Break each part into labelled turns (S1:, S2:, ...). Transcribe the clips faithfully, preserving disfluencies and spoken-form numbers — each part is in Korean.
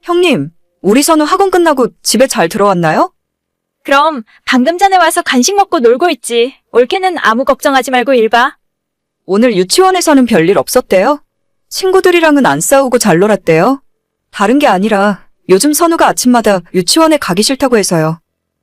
S1: 형님, 우리 선우 학원 끝나고 집에 잘 들어왔나요?
S2: 그럼 방금 전에 와서 간식 먹고 놀고 있지. 올케는 아무 걱정하지 말고 일 봐.
S1: 오늘 유치원에서는 별일 없었대요? 친구들이랑은 안 싸우고 잘 놀았대요? 다른 게 아니라 요즘 선우가 아침마다 유치원에 가기 싫다고 해서요.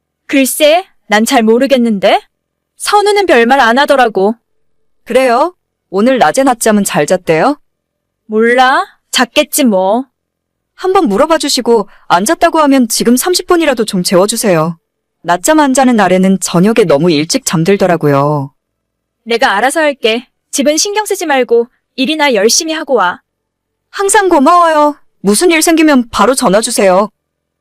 S2: 글쎄, 난 잘 모르겠는데? 선우는 별말 안 하더라고.
S1: 그래요? 오늘 낮에 낮잠은 잘 잤대요?
S2: 몰라? 잤겠지 뭐.
S1: 한번 물어봐 주시고 안 잤다고 하면 지금 삼십 분이라도 좀 재워주세요. 낮잠 안 자는 날에는 저녁에 너무 일찍 잠들더라고요.
S2: 내가 알아서 할게. 집은 신경 쓰지 말고 일이나 열심히 하고 와.
S1: 항상 고마워요. 무슨 일 생기면 바로 전화 주세요.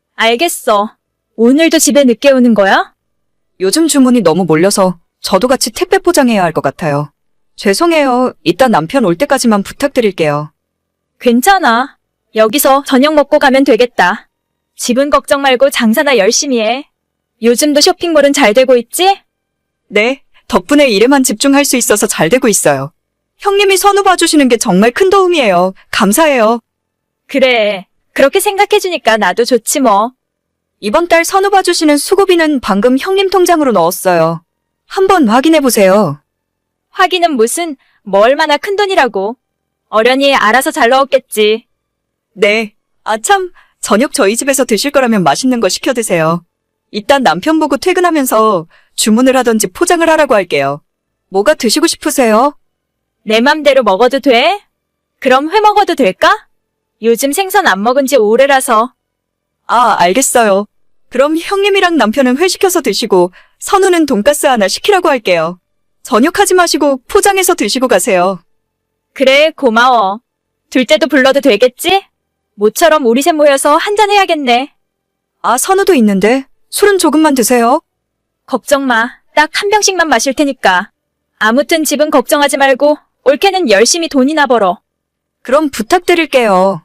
S2: 알겠어. 오늘도 집에 늦게 오는 거야?
S1: 요즘 주문이 너무 몰려서 저도 같이 택배 포장해야 할 것 같아요. 죄송해요. 이따 남편 올 때까지만 부탁드릴게요.
S2: 괜찮아. 여기서 저녁 먹고 가면 되겠다. 집은 걱정 말고 장사나 열심히 해. 요즘도 쇼핑몰은 잘 되고 있지?
S1: 네, 덕분에 일에만 집중할 수 있어서 잘 되고 있어요. 형님이 선우 봐주시는 게 정말 큰 도움이에요. 감사해요.
S2: 그래. 그렇게 생각해주니까 나도 좋지 뭐.
S1: 이번 달 선우 봐주시는 수고비는 방금 형님 통장으로 넣었어요. 한번 확인해보세요.
S2: 확인은 무슨, 뭐 얼마나 큰 돈이라고. 어련히 알아서 잘 넣었겠지.
S1: 네. 아 참, 저녁 저희 집에서 드실 거라면 맛있는 거 시켜 드세요. 일단 남편 보고 퇴근하면서 주문을 하던지 포장을 하라고 할게요. 뭐가 드시고 싶으세요?
S2: 내 맘대로 먹어도 돼? 그럼 회 먹어도 될까? 요즘 생선 안 먹은 지 오래라서.
S1: 아, 알겠어요. 그럼 형님이랑 남편은 회 시켜서 드시고 선우는 돈가스 하나 시키라고 할게요. 저녁 하지 마시고 포장해서 드시고 가세요.
S2: 그래, 고마워. 둘째도 불러도 되겠지? 모처럼 우리 셋 모여서 한잔 해야겠네.
S1: 아, 선우도 있는데 술은 조금만 드세요.
S2: 걱정 마. 딱 한 병씩만 마실 테니까. 아무튼 집은 걱정하지 말고 올케는 열심히 돈이나 벌어.
S1: 그럼 부탁드릴게요.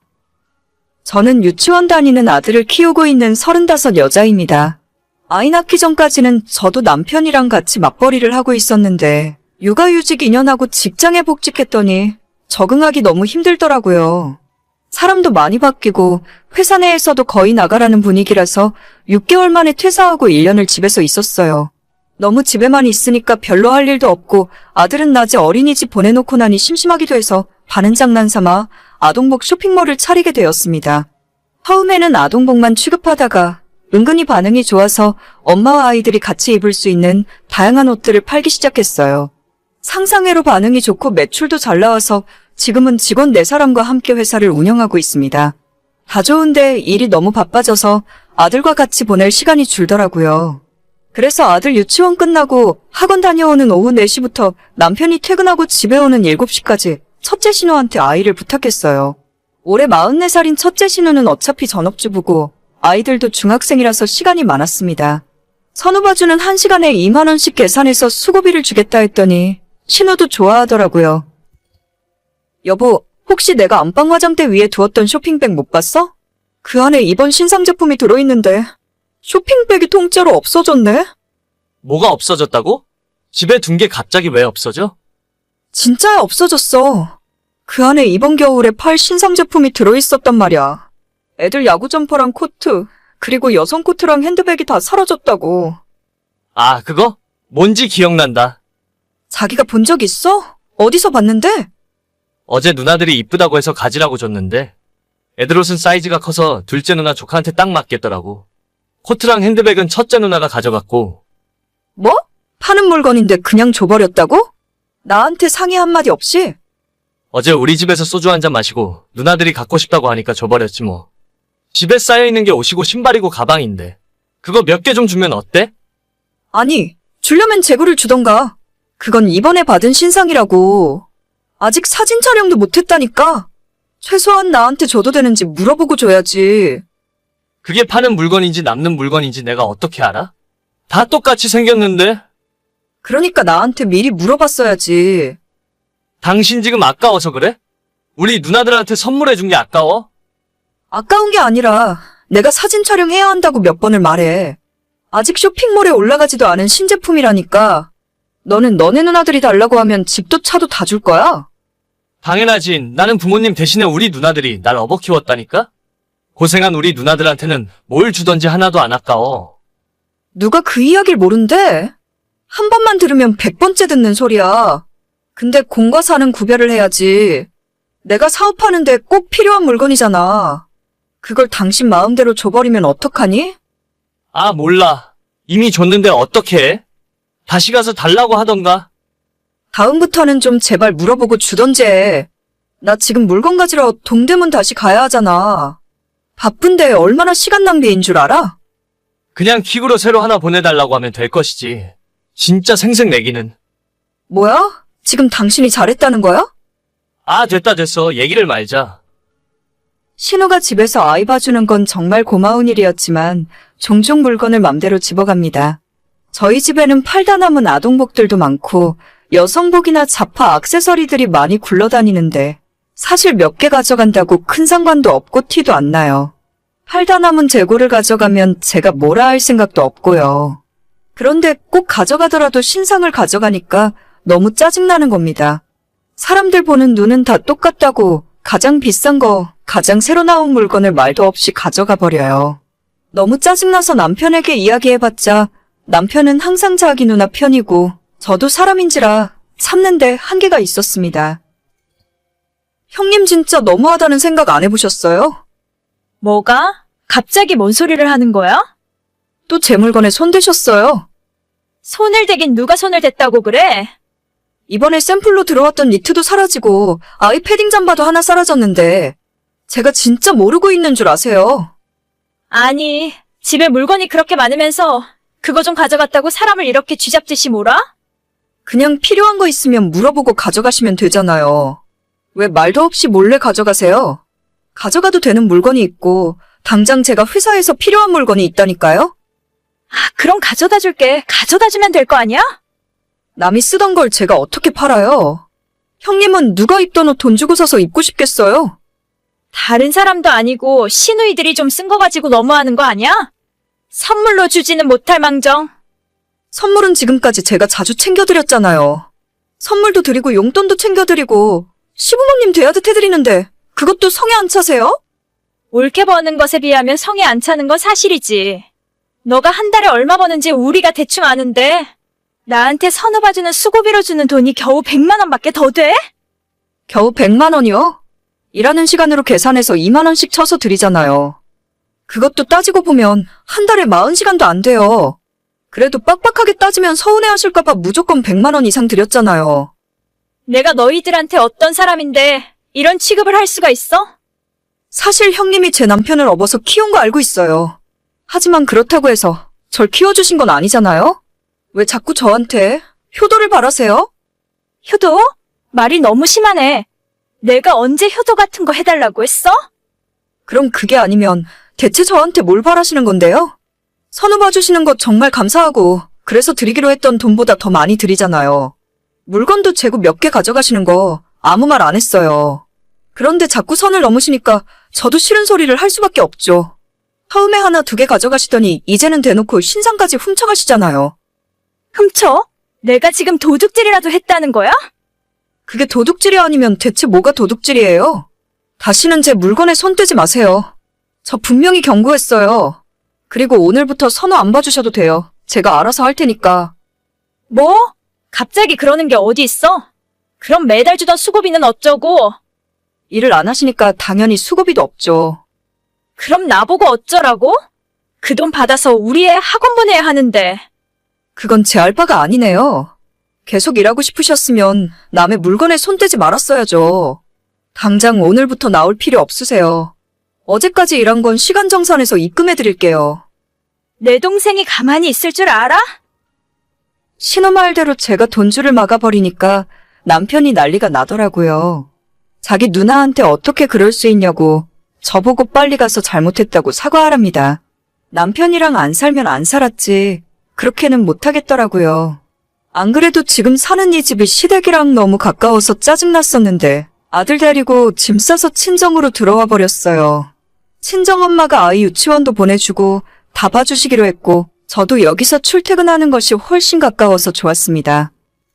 S1: 저는 유치원 다니는 아들을 키우고 있는 서른다섯 여자입니다. 아이 낳기 전까지는 저도 남편이랑 같이 맞벌이를 하고 있었는데 육아휴직 이 년 하고 직장에 복직했더니 적응하기 너무 힘들더라고요. 사람도 많이 바뀌고 회사 내에서도 거의 나가라는 분위기라서 육 개월 만에 퇴사하고 일 년을 집에서 있었어요. 너무 집에만 있으니까 별로 할 일도 없고 아들은 낮에 어린이집 보내놓고 나니 심심하기도 해서 반은 장난삼아 아동복 쇼핑몰을 차리게 되었습니다. 처음에는 아동복만 취급하다가 은근히 반응이 좋아서 엄마와 아이들이 같이 입을 수 있는 다양한 옷들을 팔기 시작했어요. 상상외로 반응이 좋고 매출도 잘 나와서 지금은 직원 네 사람과 함께 회사를 운영하고 있습니다. 다 좋은데 일이 너무 바빠져서 아들과 같이 보낼 시간이 줄더라고요. 그래서 아들 유치원 끝나고 학원 다녀오는 오후 네 시부터 남편이 퇴근하고 집에 오는 일곱 시까지 첫째 신우한테 아이를 부탁했어요. 올해 마흔네 살인 첫째 신우는 어차피 전업주부고 아이들도 중학생이라서 시간이 많았습니다. 선우 봐주는 한 시간에 이만 원씩 계산해서 수고비를 주겠다 했더니 신우도 좋아하더라고요. 여보, 혹시 내가 안방 화장대 위에 두었던 쇼핑백 못 봤어? 그 안에 이번 신상 제품이 들어있는데 쇼핑백이 통째로 없어졌네?
S3: 뭐가 없어졌다고? 집에 둔 게 갑자기 왜 없어져?
S1: 진짜야 없어졌어. 그 안에 이번 겨울에 팔 신상 제품이 들어있었단 말이야. 애들 야구 점퍼랑 코트, 그리고 여성 코트랑 핸드백이 다 사라졌다고.
S3: 아, 그거? 뭔지 기억난다.
S1: 자기가 본 적 있어? 어디서 봤는데?
S3: 어제 누나들이 이쁘다고 해서 가지라고 줬는데 애들 옷은 사이즈가 커서 둘째 누나 조카한테 딱 맞겠더라고. 코트랑 핸드백은 첫째 누나가 가져갔고.
S1: 뭐? 파는 물건인데 그냥 줘버렸다고? 나한테 상의 한마디 없이?
S3: 어제 우리 집에서 소주 한잔 마시고 누나들이 갖고 싶다고 하니까 줘버렸지 뭐. 집에 쌓여있는 게 옷이고 신발이고 가방인데 그거 몇 개 좀 주면 어때?
S1: 아니, 주려면 재고를 주던가. 그건 이번에 받은 신상이라고. 아직 사진 촬영도 못했다니까. 최소한 나한테 줘도 되는지 물어보고 줘야지.
S3: 그게 파는 물건인지 남는 물건인지 내가 어떻게 알아? 다 똑같이 생겼는데?
S1: 그러니까 나한테 미리 물어봤어야지.
S3: 당신 지금 아까워서 그래? 우리 누나들한테 선물해준 게 아까워?
S1: 아까운 게 아니라 내가 사진 촬영해야 한다고 몇 번을 말해. 아직 쇼핑몰에 올라가지도 않은 신제품이라니까. 너는 너네 누나들이 달라고 하면 집도 차도 다 줄 거야?
S3: 당연하지. 나는 부모님 대신에 우리 누나들이 날 업어 키웠다니까? 고생한 우리 누나들한테는 뭘 주던지 하나도 안 아까워.
S1: 누가 그 이야기를 모른대? 한 번만 들으면 백 번째 듣는 소리야. 근데 공과 사는 구별을 해야지. 내가 사업하는데 꼭 필요한 물건이잖아. 그걸 당신 마음대로 줘버리면 어떡하니?
S3: 아, 몰라. 이미 줬는데 어떡해? 다시 가서 달라고 하던가.
S1: 다음부터는 좀 제발 물어보고 주던지 해. 나 지금 물건 가지러 동대문 다시 가야 하잖아. 바쁜데 얼마나 시간 낭비인 줄 알아?
S3: 그냥 퀵으로 새로 하나 보내달라고 하면 될 것이지. 진짜 생색내기는.
S1: 뭐야? 지금 당신이 잘했다는 거야?
S3: 아, 됐다 됐어. 얘기를 말자.
S1: 신우가 집에서 아이 봐주는 건 정말 고마운 일이었지만 종종 물건을 맘대로 집어갑니다. 저희 집에는 팔다 남은 아동복들도 많고 여성복이나 자파 액세서리들이 많이 굴러다니는데 사실 몇 개 가져간다고 큰 상관도 없고 티도 안 나요. 팔다 남은 재고를 가져가면 제가 뭐라 할 생각도 없고요. 그런데 꼭 가져가더라도 신상을 가져가니까 너무 짜증나는 겁니다. 사람들 보는 눈은 다 똑같다고 가장 비싼 거, 가장 새로 나온 물건을 말도 없이 가져가 버려요. 너무 짜증나서 남편에게 이야기해봤자 남편은 항상 자기 누나 편이고 저도 사람인지라 참는데 한계가 있었습니다. 형님 진짜 너무하다는 생각 안 해보셨어요?
S2: 뭐가? 갑자기 뭔 소리를 하는 거야?
S1: 또 제 물건에 손대셨어요.
S2: 손을 대긴 누가 손을 댔다고 그래?
S1: 이번에 샘플로 들어왔던 니트도 사라지고 아이 패딩 잠바도 하나 사라졌는데 제가 진짜 모르고 있는 줄 아세요?
S2: 아니, 집에 물건이 그렇게 많으면서 그거 좀 가져갔다고 사람을 이렇게 쥐잡듯이 몰아?
S1: 그냥 필요한 거 있으면 물어보고 가져가시면 되잖아요. 왜 말도 없이 몰래 가져가세요? 가져가도 되는 물건이 있고 당장 제가 회사에서 필요한 물건이 있다니까요?
S2: 아, 그럼 가져다 줄게. 가져다 주면 될 거 아니야?
S1: 남이 쓰던 걸 제가 어떻게 팔아요? 형님은 누가 입던 옷 돈 주고 사서 입고 싶겠어요?
S2: 다른 사람도 아니고 시누이들이 좀 쓴 거 가지고 너무하는 거 아니야? 선물로 주지는 못할 망정.
S1: 선물은 지금까지 제가 자주 챙겨드렸잖아요. 선물도 드리고 용돈도 챙겨드리고 시부모님 대하듯 해드리는데 그것도 성에 안 차세요?
S2: 옳게 버는 것에 비하면 성에 안 차는 건 사실이지. 너가 한 달에 얼마 버는지 우리가 대충 아는데 나한테 선우봐주는 수고비로 주는 돈이 겨우 백만 원밖에 더 돼?
S1: 겨우 백만 원이요? 일하는 시간으로 계산해서 이만 원씩 쳐서 드리잖아요. 그것도 따지고 보면 한 달에 사십 시간도 안 돼요. 그래도 빡빡하게 따지면 서운해하실까봐 무조건 백만 원 이상 드렸잖아요.
S2: 내가 너희들한테 어떤 사람인데 이런 취급을 할 수가 있어?
S1: 사실 형님이 제 남편을 업어서 키운 거 알고 있어요. 하지만 그렇다고 해서 절 키워주신 건 아니잖아요? 왜 자꾸 저한테 효도를 바라세요?
S2: 효도? 말이 너무 심하네. 내가 언제 효도 같은 거 해달라고 했어?
S1: 그럼 그게 아니면 대체 저한테 뭘 바라시는 건데요? 선우 봐주시는 거 정말 감사하고 그래서 드리기로 했던 돈보다 더 많이 드리잖아요. 물건도 재고 몇 개 가져가시는 거 아무 말 안 했어요. 그런데 자꾸 선을 넘으시니까 저도 싫은 소리를 할 수밖에 없죠. 처음에 하나 두 개 가져가시더니 이제는 대놓고 신상까지 훔쳐가시잖아요.
S2: 훔쳐? 내가 지금 도둑질이라도 했다는 거야?
S1: 그게 도둑질이 아니면 대체 뭐가 도둑질이에요? 다시는 제 물건에 손 떼지 마세요. 저 분명히 경고했어요. 그리고 오늘부터 선우 안 봐주셔도 돼요. 제가 알아서 할 테니까.
S2: 뭐? 갑자기 그러는 게 어디 있어? 그럼 매달 주던 수고비는 어쩌고?
S1: 일을 안 하시니까 당연히 수고비도 없죠.
S2: 그럼 나보고 어쩌라고? 그 돈 받아서 우리 애 학원 보내야 하는데.
S1: 그건 제 알바가 아니네요. 계속 일하고 싶으셨으면 남의 물건에 손 떼지 말았어야죠. 당장 오늘부터 나올 필요 없으세요. 어제까지 일한 건 시간 정산해서 입금해 드릴게요.
S2: 내 동생이 가만히 있을 줄 알아?
S1: 신호 말대로 제가 돈줄을 막아버리니까 남편이 난리가 나더라고요. 자기 누나한테 어떻게 그럴 수 있냐고 저보고 빨리 가서 잘못했다고 사과하랍니다. 남편이랑 안 살면 안 살았지 그렇게는 못하겠더라고요. 안 그래도 지금 사는 이 집이 시댁이랑 너무 가까워서 짜증났었는데 아들 데리고 짐 싸서 친정으로 들어와 버렸어요. 친정엄마가 아이 유치원도 보내주고 다 봐주시기로 했고 저도 여기서 출퇴근하는 것이 훨씬 가까워서 좋았습니다.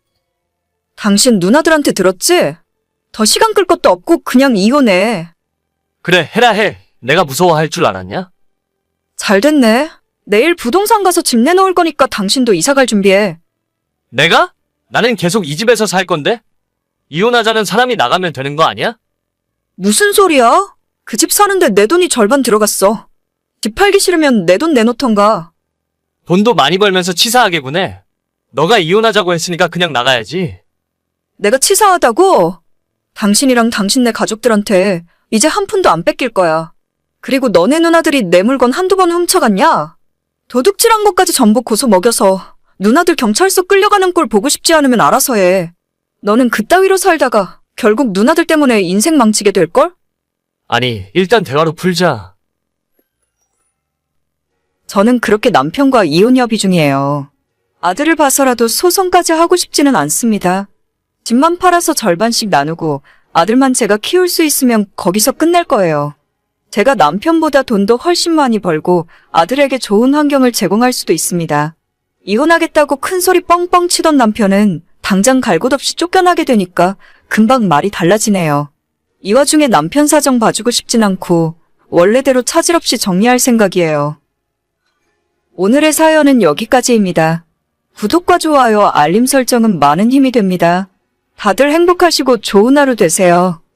S1: 당신 누나들한테 들었지? 더 시간 끌 것도 없고 그냥 이혼해.
S3: 그래, 해라 해. 내가 무서워할 줄 알았냐?
S1: 잘 됐네. 내일 부동산 가서 집 내놓을 거니까 당신도 이사 갈 준비해.
S3: 내가? 나는 계속 이 집에서 살 건데? 이혼하자는 사람이 나가면 되는 거 아니야?
S1: 무슨 소리야? 그 집 사는데 내 돈이 절반 들어갔어. 집 팔기 싫으면 내 돈 내놓던가.
S3: 돈도 많이 벌면서 치사하게 구네. 너가 이혼하자고 했으니까 그냥 나가야지.
S1: 내가 치사하다고? 당신이랑 당신네 가족들한테 이제 한 푼도 안 뺏길 거야. 그리고 너네 누나들이 내 물건 한두 번 훔쳐갔냐? 도둑질한 것까지 전부 고소 먹여서 누나들 경찰서 끌려가는 꼴 보고 싶지 않으면 알아서 해. 너는 그따위로 살다가 결국 누나들 때문에 인생 망치게 될걸?
S3: 아니, 일단 대화로 풀자.
S1: 저는 그렇게 남편과 이혼 협의 중이에요. 아들을 봐서라도 소송까지 하고 싶지는 않습니다. 집만 팔아서 절반씩 나누고 아들만 제가 키울 수 있으면 거기서 끝낼 거예요. 제가 남편보다 돈도 훨씬 많이 벌고 아들에게 좋은 환경을 제공할 수도 있습니다. 이혼하겠다고 큰소리 뻥뻥 치던 남편은 당장 갈 곳 없이 쫓겨나게 되니까 금방 말이 달라지네요. 이 와중에 남편 사정 봐주고 싶진 않고 원래대로 차질 없이 정리할 생각이에요. 오늘의 사연은 여기까지입니다. 구독과 좋아요, 알림 설정은 많은 힘이 됩니다. 다들 행복하시고 좋은 하루 되세요.